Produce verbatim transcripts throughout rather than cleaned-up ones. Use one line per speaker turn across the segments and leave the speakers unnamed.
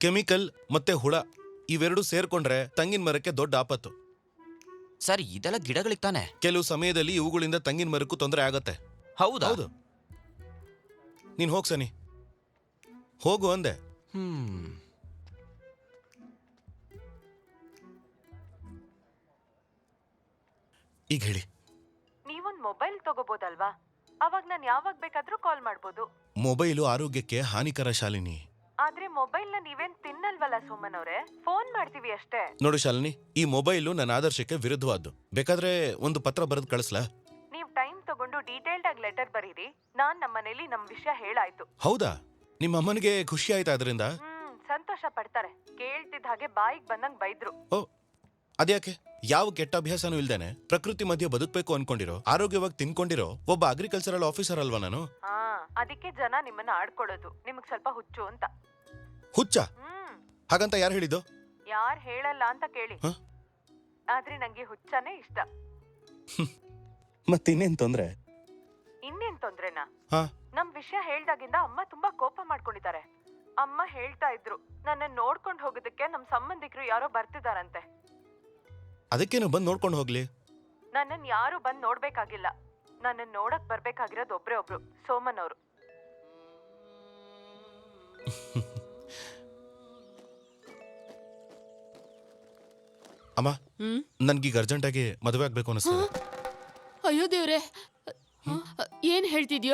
Chemical ಮತ್ತೆ ಹುಳ ಇವೆರಡು ಸೇರ್ಕೊಂಡ್ರೆ ತಂಗಿನ ಮರಕ್ಕೆ ದೊಡ್ಡ ಆಪತ್ತು.
ಸರ್ ಇದೆಲ್ಲ ಗಿಡಗಳಿಗೆ ತಾನೆ.
ಕೆಲವು ಸಮಯದಲ್ಲಿ ಇವುಗಳಿಂದ ತಂಗಿನ ಮರಕ್ಕೂ ತೊಂದರೆ ಆಗತ್ತೆ.
ಹೌದಾ?
ಹೌದು. ನೀನ್ ಹೋಗ್ ಸನಿ, ಹೋಗು ಅಂದೆ.
ಹ್ಮ್
ಈಗ ಹೇಳಿ.
ನೀವೊಂದ್ ಮೊಬೈಲ್ ತಗೋಬೋದಲ್ವಾ? ಅವಾಗ ನಾನು ಯಾವಾಗ ಬೇಕಾದ್ರೂ ಕಾಲ್ ಮಾಡ್ಬೋದು.
ಮೊಬೈಲು ಆರೋಗ್ಯಕ್ಕೆ ಹಾನಿಕರ ಶಾಲಿನಿ.
ಆದ್ರೆ ಮೊಬೈಲ್ ನ ನೀವೇನ್ ತಿನ್ನಲ್ವಲ್ಲ ಸುಮನ್ ಅವ್ರೆ, ಫೋನ್ ಮಾಡ್ತೀವಿ ಅಷ್ಟೇ.
ನೋಡು ಶಾಲಿನಿ, ಈ ಮೊಬೈಲು ನನ್ನ ಆದರ್ಶಕ್ಕೆ ವಿರುದ್ಧವಾದ್ದು. ಬೇಕಾದ್ರೆ ಒಂದು ಪತ್ರ ಬರೆದು ಕಳಿಸ್ಲಾ?
ನೀವ್ ಟೈಮ್ ತಗೊಂಡು ಡೀಟೇಲ್ಡ್ ಆಗಿ ಲೆಟರ್ ಬರೀರಿ. ನಾನ್ ನಮ್ಮನೇಲಿ ನಮ್ ವಿಷಯ ಹೇಳಾಯ್ತು.
ಹೌದಾ? ನಿಮ್ಮ ಅಮ್ಮನಿಗೆ ಖುಷಿ ಆಯ್ತಾ ಅದರಿಂದ?
ಹ್ಮ್ ಸಂತೋಷ ಪಡ್ತಾರೆ. ಕೇಳ್ತಿದ್ದ ಹಾಗೆ ಬಾಯಿಗೆ ಬಂದಂಗ್ ಬೈದ್ರು.
ಓ ಅದ್ಯಾಕೆ? ಯಾವ ಕೆಟ್ಟ ಅಭ್ಯಾಸನೂ ಇಲ್ದೇನೆ ಪ್ರಕೃತಿ ಮಧ್ಯೆ ಬದುಕಬೇಕು ಅನ್ಕೊಂಡಿರೋ, ಆರೋಗ್ಯವಾಗಿ ತಿನ್ಕೊಂಡಿರೋ ಒಬ್ಬ ಅಗ್ರಿಕಲ್ಚರಲ್ ಆಫೀಸರ್ ಅಲ್ವಾ ನಾನು?
ಹಾ, ಅದಕ್ಕೆ ಜನ ನಿಮ್ಮನ್ನ ಆಡ್ಕೊಳ್ಳೋದು. ನಿಮಗ್ ಸ್ವಲ್ಪ ಹುಚ್ಚು ಅಂತ.
ಹುಚ್ಚ?
ಹ್ಮ್
ಹಾಗಂತ ಯಾರು ಹೇಳಿದ್ದು?
ಯಾರ್ ಹೇಳಲ್ಲ ಅಂತ ಕೇಳಿ.
ಹ?
ಆದ್ರೆ ನಂಗೆ ಹುಚ್ಚನೇ ಇಷ್ಟ.
ಮತ್ತಿನ್ನೇನ್ ತೊಂದ್ರೆ?
ಇನ್ನೇನ್ ತೊಂದ್ರೆನಾ?
ಹಾ,
ನಮ್ ವಿಷಯ ಹೇಳ್ದಾಗಿಂದ ಅಮ್ಮ ತುಂಬಾ ಕೋಪ ಮಾಡ್ಕೊಂಡಿದ್ದಾರೆ. ಅಮ್ಮ ಹೇಳ್ತಾ ಇದ್ರು, ನನ್ನ ನೋಡ್ಕೊಂಡ್ ಹೋಗೋದಕ್ಕೆ ನಮ್ ಸಂಬಂಧಿಕರು ಯಾರೋ ಬರ್ತಿದಾರಂತೆ.
ಅದಕ್ಕೇನು ಬಂದು ನೋಡ್ಕೊಂಡು ಹೋಗ್ಲಿ.
ನನ್ನನ್ ಯಾರು ಬಂದ್ ನೋಡ್ಬೇಕಾಗಿಲ್ಲ. ನನ್ನನ್ ನೋಡಕ್ ಬರ್ಬೇಕಾಗಿರೋದು ಒಬ್ರೇ ಒಬ್ರು, ಸೋಮನ್ ಅವರು.
ಅಮ್ಮ, ನನ್ಗೀಗ ಅರ್ಜೆಂಟ್ ಆಗಿ ಮದುವೆ ಆಗ್ಬೇಕು ಅನಿಸ್ತದೆ.
ಅಯ್ಯೋ ದೇವ್ರೆ, ಏನ್ ಹೇಳ್ತಿದ್ಯೋ?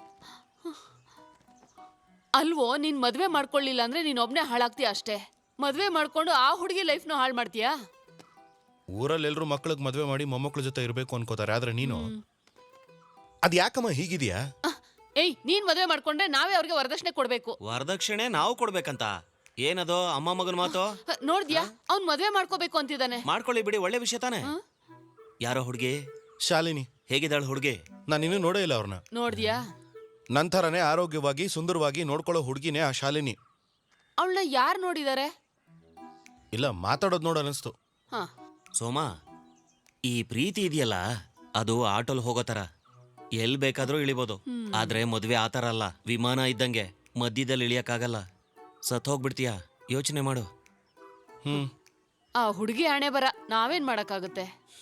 ಅಲ್ವೋ, ನೀನ್ ಮದ್ವೆ ಮಾಡ್ಕೊಳ್ಳಿಲ್ಲ ಅಂದ್ರೆ ನೀನ್ ಒಬ್ನೇ ಹಾಳಾಗ್ತೀಯ ಅಷ್ಟೇ. ಮದ್ವೆ ಮಾಡ್ಕೊಂಡು ಆ ಹುಡುಗಿ ಲೈಫ್ನು ಹಾಳು ಮಾಡ್ತೀಯಾ?
ಊರಲ್ಲಿ ಎಲ್ರು ಮಕ್ಳಿಗೆ ಮದ್ವೆ ಮಾಡಿ ಮೊಮ್ಮಕ್ಳ ಜೊತೆ ಇರ್ಬೇಕು ಅನ್ಕೋತಾರೆ, ಆದ್ರೆ ನೀನು ಅದ್ ಯಾಕಮ್ಮ ಹೀಗಿದ್ಯಾ?
ಏಯ್, ನೀನ್ ಮದ್ವೆ ಮಾಡ್ಕೊಂಡ್ರೆ ನಾವೇ ಅವ್ರಿಗೆ ವರದಕ್ಷಿಣೆ ಕೊಡ್ಬೇಕು.
ವರದಕ್ಷಿಣೆ ನಾವು ಕೊಡ್ಬೇಕಂತ ಏನದು ಅಮ್ಮ ಮಗನ ಮಾತು?
ನೋಡ್ದ್ಯಾ, ಅವ್ನ್ ಮದ್ವೆ ಮಾಡ್ಕೋಬೇಕು ಅಂತಿದ್ದಾನೆ.
ಮಾಡ್ಕೊಳ್ಳಿ ಬಿಡಿ, ಒಳ್ಳೆ ವಿಷಯ ತಾನೆ. ಯಾರೋ ಹುಡುಗಿ?
ಶಾಲಿನಿ.
ಹೇಗಿದ್ದಾಳ ಹುಡುಗಿ?
ನಾನು ಇನ್ನೂ ನೋಡೇ ಇಲ್ಲ ಅವ್ರನ್ನ.
ನೋಡ್ದ್ಯಾ?
ನಂತರನೇ ಆರೋಗ್ಯವಾಗಿ ಸುಂದರವಾಗಿ ನೋಡ್ಕೊಳ್ಳೋ ಹುಡುಗಿನೇ ಆ ಶಾಲಿನಿ.
ಅವಳನ್ನ ಯಾರು ನೋಡಿದಾರೆ?
ಇಲ್ಲ, ಮಾತಾಡೋದು ನೋಡ ಅನಿಸ್ತು.
ಹಾ,
ಸೋಮ, ಈ ಪ್ರೀತಿ ಇದೆಯಲ್ಲ ಅದು ಆಟೋಲ್ ಹೋಗೋ ತರ, ಎಲ್ ಬೇಕಾದ್ರೂ ಇಳಿಬೋದು. ಆದ್ರೆ ಮದ್ವೆ ಆತರ ಅಲ್ಲ, ವಿಮಾನ ಇದ್ದಂಗೆ ಮಧ್ಯದಲ್ಲಿ ಇಳಿಯಕ್ಕಾಗಲ್ಲ. ಸತ್ ಹೋಗ್ಬಿಡ್ತೀಯ, ಯೋಚನೆ ಮಾಡು.
ಹ್ಮ್
ಆ ಹುಡುಗಿ ಹಣೆ ಬರ, ನಾವೇನ್ ಮಾಡಕ್ಕಾಗುತ್ತೆ?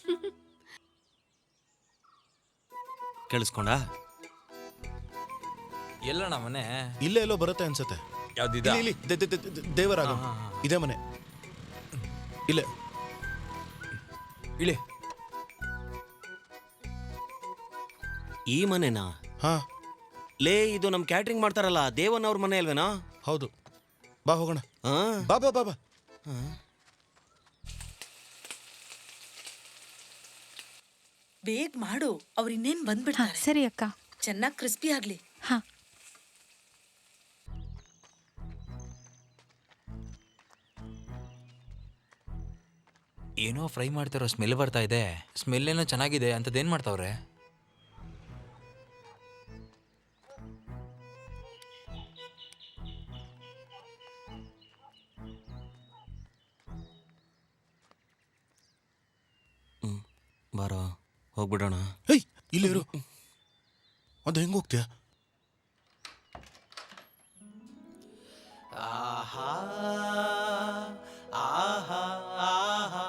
ಕೇಳಿಸ್ಕೊಂಡ?
ಎಲ್ಲಣ್ಣ ಮನೆ?
ಇಲ್ಲೇ ಎಲ್ಲೋ ಬರುತ್ತೆ ಅನ್ಸತ್ತೆ.
ಯಾವ್ದಿದ?
ಇಲ್ಲಿ, ಇಲ್ಲಿ, ದೆ- ದೆ- ದೆ- ದೆ- ದೇವರಾಗ ಇದೇ ಮನೆ. ಇಲ್ಲೇ
ಇಳಿ.
ಈ ಮನೆನಾ?
ಹಾ
ಲೇ, ಇದು ನಮ್ ಕ್ಯಾಟ್ರಿಂಗ್ ಮಾಡ್ತಾರಲ್ಲ ದೇವನ್ ಅವ್ರ ಮನೆ ಅಲ್ವೇನಾ?
ಹೌದು. ಬಾ ಹೋಗೋಣ.
ಹಾ,
ಬಾ ಬಾ ಬಾ ಬಾ.
ಬೇಗ ಮಾಡು, ಅವ್ರು ಇನ್ನೇನ್ ಬಂದ್ಬಿಡ್ತಾರೆ.
ಸರಿ ಅಕ್ಕ.
ಚೆನ್ನಾಗಿ ಕ್ರಿಸ್ಪಿ ಆಗ್ಲಿ.
ಹಾ,
ಏನೋ ಫ್ರೈ ಮಾಡ್ತಿರೋ ಸ್ಮೆಲ್ ಬರ್ತಾ ಇದೆ. ಸ್ಮೆಲ್ ಏನೋ ಚೆನ್ನಾಗಿದೆ. ಅಂತದೇನ್ ಮಾಡ್ತಾವ್ರೆ?
ಹ್ಮ್ ಬಾರೋ ಹೋಗ್ಬಿಡೋಣ.
ಹೇಯ್, ಇಲ್ಲಿ ಇರು. ಅದು ಹೆಂಗ್ ಹೋಗ್ತೀಯಾ?
ಆಹಾ ಆಹಾ ಆಹಾ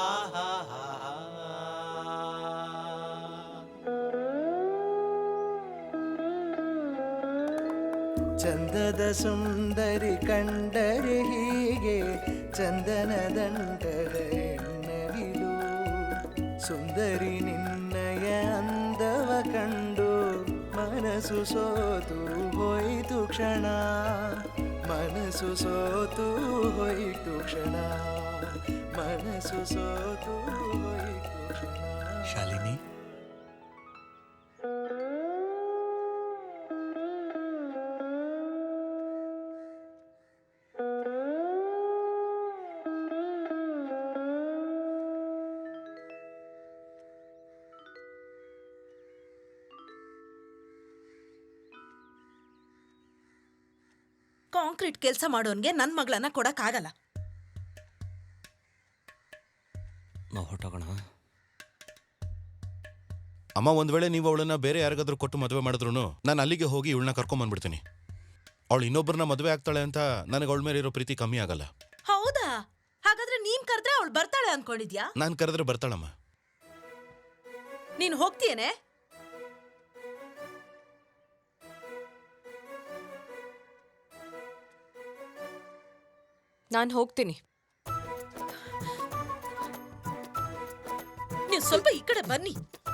ಚಂದದ ಸುಂದರಿ ಕಂಡರೆ ಹೀಗೆ ಚಂದನ ದಂಡದ ಎನ್ನವಿಲು. ಸುಂದರಿ ನಿನ್ನಯ ಅಂದವ ಕಂಡು ಮನಸ್ಸು ಸೋತು ಹೋಯಿತು ಕ್ಷಣ. ಮನಸ್ಸು ಸೋತು ಹೋಯಿತು ಕ್ಷಣ. ಮನಸ್ಸು ಸೋತು ಹೋಯಿತು ಕ್ಷಣ.
ಶಾಲಿನಿ,
ಕಾಂಕ್ರೀಟ್ ಕೆಲಸ ಮಾಡೋನ್ಗೆ ನನ್ ಮಗಳನ್ನ ಕೊಡಕ್ ಆಗಲ್ಲ.
ನಾವು ಹೊಟ್ಟೋಗೋಣ.
ಅಮ್ಮ, ಒಂದ್ ವೇಳೆ ನೀವು ಅವಳನ್ನ ಬೇರೆ ಯಾರಿಗಾದ್ರೂ ಕೊಟ್ಟು ಮದುವೆ ಮಾಡಿದ್ರು ನಾನು ಅಲ್ಲಿಗೆ ಹೋಗಿ ಇವಳನ್ನ ಕರ್ಕೊಂಡ್ ಬಂದ್ಬಿಡ್ತೀನಿ. ಅವಳು ಇನ್ನೊಬ್ಬರನ್ನ ಮದುವೆ ಆಗ್ತಾಳೆ ಅಂತ ನನಗೆ ಅವಳ ಮೇಲೆ ಇರೋ ಪ್ರೀತಿ ಕಮ್ಮಿ ಆಗಲ್ಲ.
ಹೌದಾ? ಹಾಗಾದ್ರೆ ನೀನ್ ಕರೆದ್ರೆ ಅವಳು ಬರ್ತಾಳೆ ಅನ್ಕೊಂಡಿದ್ಯಾ?
ನಾನು ಕರೆದ್ರೆ ಬರ್ತಾಳಮ್ಮ.
ನೀನ್ ಹೋಗ್ತೀಯೇನೆ?
ನಾನು ಹೋಗ್ತೀನಿ.
ನೀವು ಸ್ವಲ್ಪ ಈ ಕಡೆ ಬನ್ನಿ.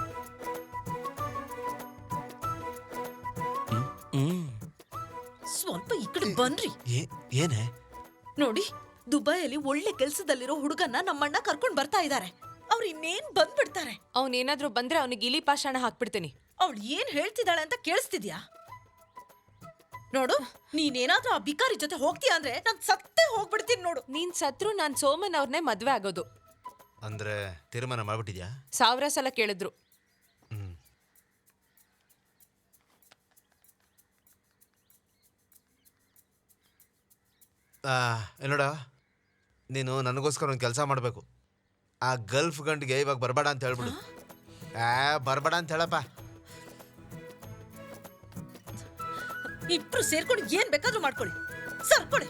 ಹ್ಮ್
ಸ್ವಲ್ಪ ಈ ಕಡೆ ಬನ್ರಿ.
ಏನೇ?
ನೋಡಿ, ದುಬೈಯಲ್ಲಿ ಒಳ್ಳೆ ಕೆಲ್ಸದಲ್ಲಿರೋ ಹುಡುಗನ್ನ ನಮ್ಮಣ್ಣ ಕರ್ಕೊಂಡ್ ಬರ್ತಾ ಇದ್ದಾರೆ. ಅವ್ರು ಇನ್ನೇನ್ ಬಂದ್ಬಿಡ್ತಾರೆ.
ಅವನೇನಾದ್ರೂ ಬಂದ್ರೆ ಅವನಿಗೆ ಇಲಿ ಪಾಷಾಣ ಹಾಕ್ಬಿಡ್ತೀನಿ.
ಅವಳು ಏನ್ ಹೇಳ್ತಿದ್ದಾಳೆ ಅಂತ ಕೇಳಿಸ್ತಿದ್ಯಾ? ನೋಡು, ನೀನೇನಾದ್ರೂ ಆ ಬಿಕಾರಿ ಜೊತೆ ಹೋಗ್ತೀಯ ಅಂದ್ರೆ ನಾನ್ ಸತ್ತೇ ಹೋಗ್ಬಿಡ್ತೀನಿ ನೋಡು.
ನೀನ್ ಸತ್ರು ನಾನ್ ಸೋಮನ್ ಅವ್ರನ್ನೇ ಮದ್ವೆ ಆಗೋದು.
ಅಂದ್ರೆ ತೀರ್ಮಾನ ಮಾಡ್ಬಿಟ್ಟಿದ್ಯಾ?
ಸಾವಿರ ಸಲ ಕೇಳಿದ್ರು.
ಹ್ಮ್. ಆ, ನೋಡ, ನೀನು ನನಗೋಸ್ಕರ ಒಂದು ಕೆಲಸ ಮಾಡಬೇಕು. ಆ ಗಲ್ಫ್ ಗಂಟಿಗೆ ಇವಾಗ ಬರಬೇಡ ಅಂತ ಹೇಳ್ಬಿಡು. ಆ ಬರಬೇಡ ಅಂತ ಹೇಳಪ್ಪ.
ಇಬ್ರು ಸೇರ್ಕೊಂಡು ಏನ್ ಬೇಕಾದ್ರೂ ಮಾಡ್ಕೊಳ್ಳಿ. ಸರ್ಕೊಳ್ಳಿ.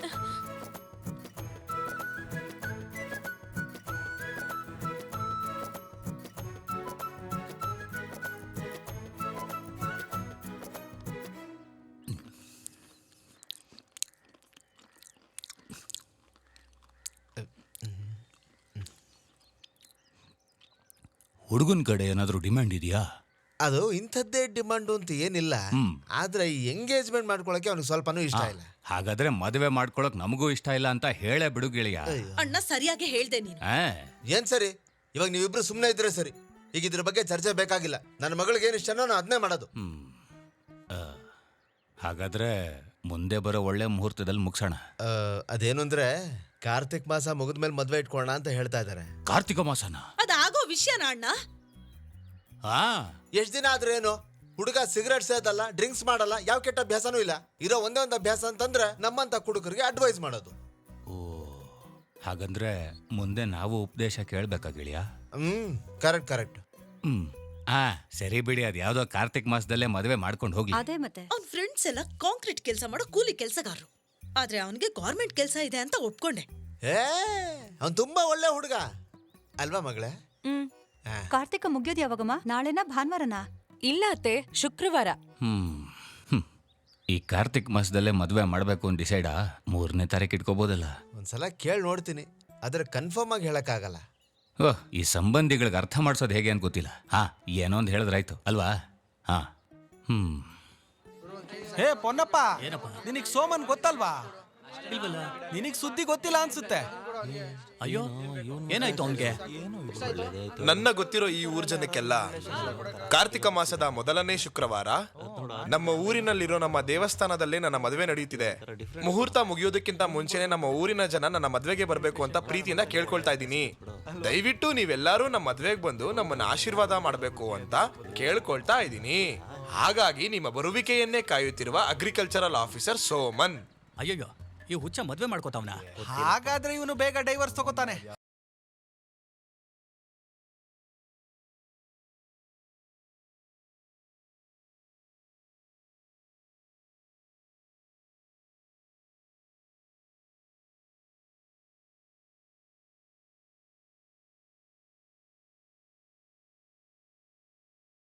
ಹುಡುಗನ ಕಡೆ ಏನಾದರೂ ಡಿಮ್ಯಾಂಡ್ ಇದೆಯಾ?
ಅದು ಇಂಥದ್ದೇ ಡಿಮಾಂಡು ಅಂತ ಏನಿಲ್ಲ. ಆದ್ರೆ ಈ ಎಂಗೇಜ್ಮೆಂಟ್ ಮಾಡ್ಕೊಳಕ್ಕೆ ಅವ್ನಿಗೆ ಸ್ವಲ್ಪನೂ ಇಷ್ಟ ಇಲ್ಲ.
ಹಾಗಾದ್ರೆ ಮದುವೆ ಮಾಡ್ಕೊಳಕ್ ನಮಗೂ ಇಷ್ಟ ಇಲ್ಲ ಅಂತ ಹೇಳೇ ಬಿಡು ಗೆಳೆಯ.
ಅಣ್ಣ ಸರಿಯಾಗಿ ಹೇಳ್ದೆ ನೀನು.
ಆ,
ಏನ್ ಸರಿ, ಇವಾಗ ನೀವಿಬ್ರು ಸುಮ್ಮನೆ ಇದ್ರೆ ಸರಿ. ಈಗ ಇದ್ರ ಬಗ್ಗೆ ಚರ್ಚೆ ಬೇಕಾಗಿಲ್ಲ. ನನ್ನ ಮಗಳಿಗೆ ಏನು ಇಷ್ಟನೋ ನಾನು ಅದನ್ನೇ ಮಾಡೋದು.
ಹ್ಮ್. ಆ, ಹಾಗಾದ್ರೆ ಮುಂದೆ ಬರೋ ಒಳ್ಳೆ ಮುಹೂರ್ತದಲ್ಲಿ ಮುಗಿಸೋಣ.
ಆ, ಅದೇನು ಅಂದ್ರೆ ಕಾರ್ತಿಕ್ ಮಾಸ ಮುಗಿದ್ಮೇಲೆ ಮದ್ವೆ ಇಟ್ಕೊಳ್ಳೋಣ ಅಂತ ಹೇಳ್ತಾ ಇದಾರೆ.
ಕಾರ್ತಿಕ ಮಾಸನ?
ಅದಾಗೋ ವಿಷಯನ ಅಣ್ಣ?
ಹಾ,
ಎಷ್ಟ್ ದಿನ ಆದ್ರೆ ಏನು? ಹುಡುಗ ಸಿಗರೇಟ್ ಸೇದಲ್ಲ, ಡ್ರಿಂಕ್ಸ್ ಮಾಡಲ್ಲ, ಯಾವ ಕೆಟ್ಟ ಅಭ್ಯಾಸನೂ ಇಲ್ಲ. ಇರೋ ಒಂದೇ ಒಂದು ಅಭ್ಯಾಸ ಅಂತಂದ್ರೆ ನಮ್ಮಂತ ಹುಡುಗರಿಗೆ ಅಡ್ವೈಸ್ ಮಾಡೋದು.
ಓ, ಹಾಗಂದ್ರೆ ಮುಂದೆ ನಾವು ಉಪದೇಶ ಕೇಳ್ಬೇಕಾ ಗೆಳೆಯ?
ಹ್ಮ್, ಕರೆಕ್ಟ್ ಕರೆಕ್ಟ್.
ಹ್ಮ್. ಆ ಸರಿ ಬಿಡಿ, ಅದ್ ಯಾವ್ದೋ ಕಾರ್ತಿಕ್ ಮಾಸದಲ್ಲೇ ಮದುವೆ ಮಾಡ್ಕೊಂಡು ಹೋಗ್ಲಿ.
ಅದೇ ಮತ್ತೆ
ಅವ್ನ ಫ್ರೆಂಡ್ಸ್ ಎಲ್ಲ ಕಾಂಕ್ರೀಟ್ ಕೆಲಸ ಮಾಡೋ ಕೂಲಿ ಕೆಲಸಗಾರರು. ಆದ್ರೆ ಅವನಿಗೆ ಗೌರ್ಮೆಂಟ್ ಕೆಲಸ ಇದೆ ಅಂತ ಒಪ್ಕೊಂಡೆ.
ಏ ಅವ್ನು ತುಂಬಾ ಒಳ್ಳೆ ಹುಡುಗ ಅಲ್ವಾ ಮಗಳೇ?
ಹ್ಮ್ ಕಾರ್ತಿಕ ಮುಗಿಯೋದು ಯಾವಾಗಮ್ಮ? ನಾಳೆನಾ ಭಾನುವಾರನಾ?
ಇಲ್ಲ ಅತ್ತೆ, ಶುಕ್ರವಾರ.
ಹ್ಮ್ ಹ್ಮ್. ಈ ಕಾರ್ತಿಕ್ ಮಾಸದಲ್ಲೇ ಮದುವೆ ಮಾಡ್ಬೇಕು ಅಂತ ಡಿಸೈಡಾ? ಮೂರನೇ ತಾರೀಕು ಇಟ್ಕೋಬೋದಲ್ಲ?
ಒಂದ್ಸಲ ಕೇಳಿ ನೋಡ್ತೀನಿ, ಆದ್ರೆ ಕನ್ಫರ್ಮ್ ಆಗಿ ಹೇಳಕ್ಕಾಗಲ್ಲ.
ಓಹ್, ಈ ಸಂಬಂಧಿಗಳಿಗೆ ಅರ್ಥ ಮಾಡ್ಸೋದು ಹೇಗೆ ಅಂತ ಗೊತ್ತಿಲ್ಲ. ಹಾ, ಏನೋ ಒಂದು ಹೇಳಿದ್ರಾಯ್ತು ಅಲ್ವಾ? ಹಾ. ಹ್ಮ್.
ಹೇ ಪೊನ್ನಪ್ಪ, ನಿನಗ್ ಸೋಮನ್ ಗೊತ್ತಲ್ವಾ? ನಿನಗ್ ಸುದ್ದಿ ಗೊತ್ತಿಲ್ಲ ಅನ್ಸುತ್ತೆ.
ಅಯ್ಯೋ, ಏನಾಯ್ತು ಅವನ್ಗೆ?
ನನ್ನ ಗೊತ್ತಿರೋ ಈ ಊರ್ ಜನಕ್ಕೆಲ್ಲ ಕಾರ್ತಿಕ ಮಾಸದ ಮೊದಲನೇ ಶುಕ್ರವಾರ ನಮ್ಮ ಊರಿನಲ್ಲಿರೋ ನಮ್ಮ ದೇವಸ್ಥಾನದಲ್ಲೇ ನನ್ನ ಮದುವೆ ನಡೆಯುತ್ತಿದೆ. ಮುಹೂರ್ತ ಮುಗಿಯೋದಕ್ಕಿಂತ ಮುಂಚೆನೆ ನಮ್ಮ ಊರಿನ ಜನ ನನ್ನ ಮದುವೆಗೆ ಬರಬೇಕು ಅಂತ ಪ್ರೀತಿಯಿಂದ ಕೇಳ್ಕೊಳ್ತಾ ಇದ್ದೀನಿ. ದಯವಿಟ್ಟು ನೀವೆಲ್ಲರೂ ನಮ್ಮ ಮದುವೆಗೆ ಬಂದು ನಮ್ಮನ್ನ ಆಶೀರ್ವಾದ ಮಾಡಬೇಕು ಅಂತ ಕೇಳ್ಕೊಳ್ತಾ ಇದ್ದೀನಿ. ಹಾಗಾಗಿ ನಿಮ್ಮ ಬರುವಿಕೆಯನ್ನೇ ಕಾಯುತ್ತಿರುವ ಅಗ್ರಿಕಲ್ಚರಲ್ ಆಫೀಸರ್ ಸೋಮನ್.
ಅಯ್ಯಯ್ಯೋ, ಈ ಹುಚ್ಚ ಮದ್ವೆ ಮಾಡ್ಕೋತಾವ್ನ?
ಹಾಗಾದ್ರೆ ಇವನು ಬೇಗ ಡೈವರ್ಸ್ ತಗೋತಾನೆ.